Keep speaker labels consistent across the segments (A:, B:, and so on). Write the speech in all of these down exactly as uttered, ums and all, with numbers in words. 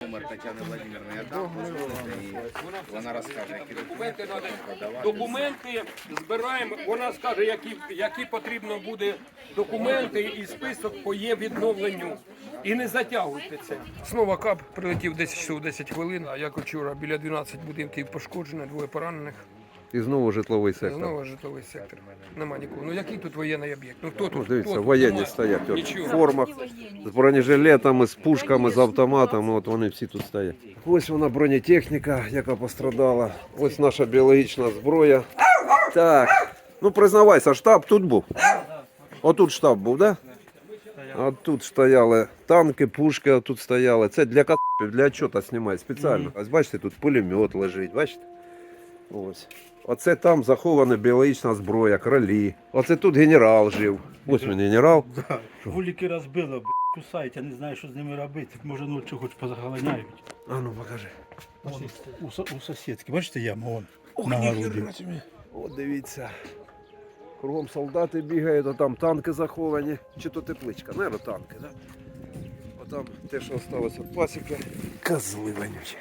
A: номер Тетяни Владимировни, я дам, і вона розкаже, які
B: Документи треба. Документи збираємо. Вона скаже, які, які потрібно буде документи і список по є відновленню. І не затягуйте це. Знову КАП прилетів десять часов десять хвилин, а як вчора біля дванадцяти будинків пошкоджено, двоє поранених.
C: І знову житловий сектор.
B: Знову житловий сектор. Нема нікого. Ну який тут воєнний об'єкт? Ну хто тут?
C: Ну, дивіться,
B: Хто тут?
C: воєнні
B: Нема.
C: стоять от, в
B: Нічого.
C: формах, з бронежилетами, з пушками, з автоматами, от вони всі тут стоять. Ось вона бронетехніка, яка пострадала. Ось наша біологічна зброя. Так, ну признавайся, штаб тут був? Отут штаб був, так? Да? А тут стояли танки, пушки, а тут стояли. Це для кацапів, для чого знімають спеціально. Ось бачите, тут пулемет лежить, бачите? Ось. Оце там захована біологічна зброя, кролі. Оце тут генерал жив. Ось він генерал.
D: Вулики розбило, б**, кусають, я не знаю, що з ними робити. Може, ночі хоч позаганяють.
C: А ну покажи.
D: Вон, у, со- у сусідки, бачите яму, вон, на городі.
C: От дивіться. Кругом солдати бігають, а там танки заховані. Чи то тепличка, наверно, танки, так? Да? Отам те, що залишилося від пасіки. Козли вонючі.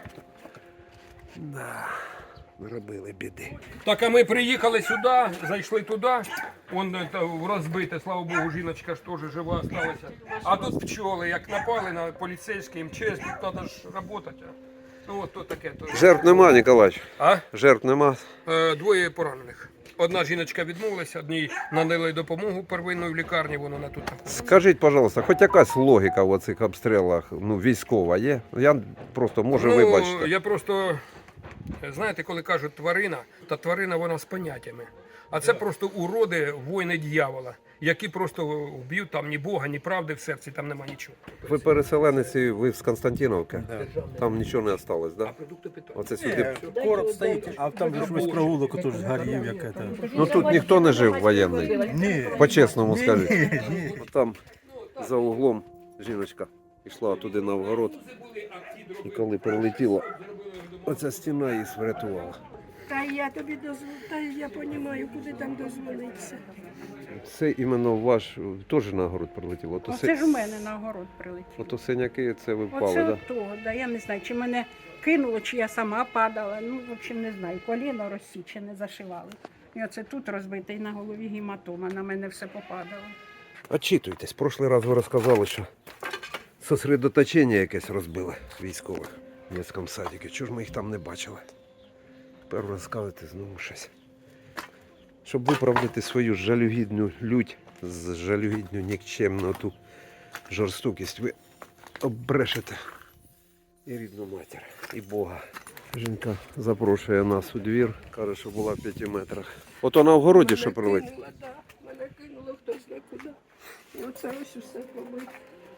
C: Да. Наробили біди.
B: Так, а ми приїхали сюди, зайшли туди, вон е, та, розбите, слава Богу, жіночка ж теж жива залишилася. А тут пчоли, як напали на поліцейський МЧС, тут треба ж працювати. Ну от то таке. То...
C: Жертв нема, Ніколач?
B: А?
C: Жертв нема.
B: Е, двоє поранених. Одна жіночка відмовилася, одній надали допомогу первинної в лікарні, вона тут знаходиться.
C: Скажіть, пожалуйста, хоч якась логіка в оцих обстрілах, ну, військова є? Я просто, може,
B: Ну,
C: вибачте.
B: я просто, знаєте, коли кажуть тварина, то тварина вона з поняттями. А це просто уроди, воїни дьявола, які просто вб'ють там ні Бога, ні правди в серці, там нема нічого.
C: Ви переселенець, ви з Константиновки? Там нічого не залишилось, так? Да?
B: Продукти питання.
C: Оце сюди.
D: Короб стоїть, а там же ж весь провулок отож згорів, як це.
C: Ну тут ніхто не жив воєнний.
D: Ні.
C: По-чесному скажіть. От там за углом жіночка йшла туди на вгород. І коли прилетіла, оця стіна її врятувала.
E: Та я тобі дозволю, та я розумію, куди там дозволитися.
C: Це іменно ваш теж на огород прилетіло? Ото
E: Оце
C: си-
E: ж у мене на огород прилетіло.
C: Ото синяки це ви впали,
E: Оце
C: так?
E: от того, да, я не знаю, чи мене кинуло, чи я сама падала. Ну, в общем, не знаю, коліно розсічене, зашивали. І оце тут розбите, і на голові гематома, на мене все попадало.
C: Очитуйтесь. Прошлий раз ви розказали, що сосредоточення якесь розбили військових в міському садіку. Чого ж ми їх там не бачили? Тепер розказуєте знову щось. Щоб виправдати свою жалюгідну лють, з жалюгідну нікчемну ту жорстокість, ви оббрешете і рідну матір, і Бога. Жінка запрошує нас у двір, каже, що була в п'яти метрах. Ото на огороді, що прилетіло.
E: Кинуло, да, мене кинуло хтось не куди. І оце ось усе побито.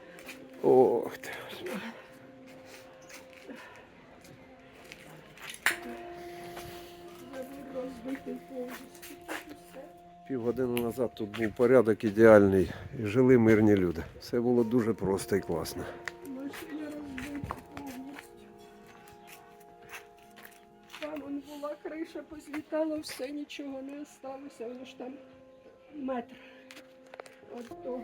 C: Ох ти. Господи.
E: Розбитий повністю.
C: Півгодини назад тут був порядок ідеальний і жили мирні люди. Все було дуже просто і класно.
E: Машина розбита повністю. Там он була криша, позлітала, все, нічого не осталося, воно ж там метр від того.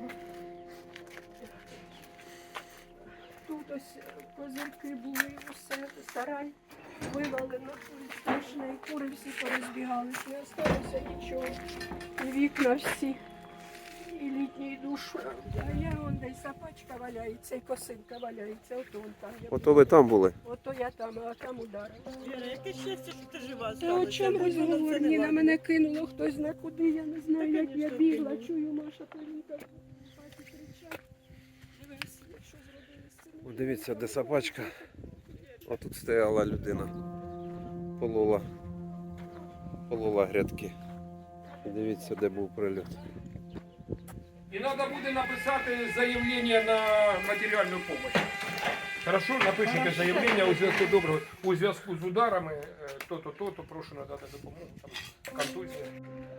E: Тут ось козирки були, усе, сарай вивалено, страшне, і кури всі порозбігалися, не осталося нічого. І вікна всі, і літній душ. А я вон десь запачка валяється, і косинка валяється, ото вон там. я
C: Ото ви там були?
E: Ото я там, а там ударила.
F: Віра, яке щастя, що ти жива
E: Та о чому розговор? Ні, на мене кинуло хтось зна куди, я не знаю, як я бігла. Чую, Маша Полінка в хаті кричать. Дивись, якщо зробили з цим.
C: О, дивіться, де собачка. А тут стояла людина. Полола. Полола грядки. І дивіться, де був прильот.
B: І треба буде написати заявлення на матеріальну допомогу. Хорошо, напишіть заявлення у зв'язку доброго, у зв'язку з ударами, е, то-то, то-то, прошу надати допомогу, там, контузія.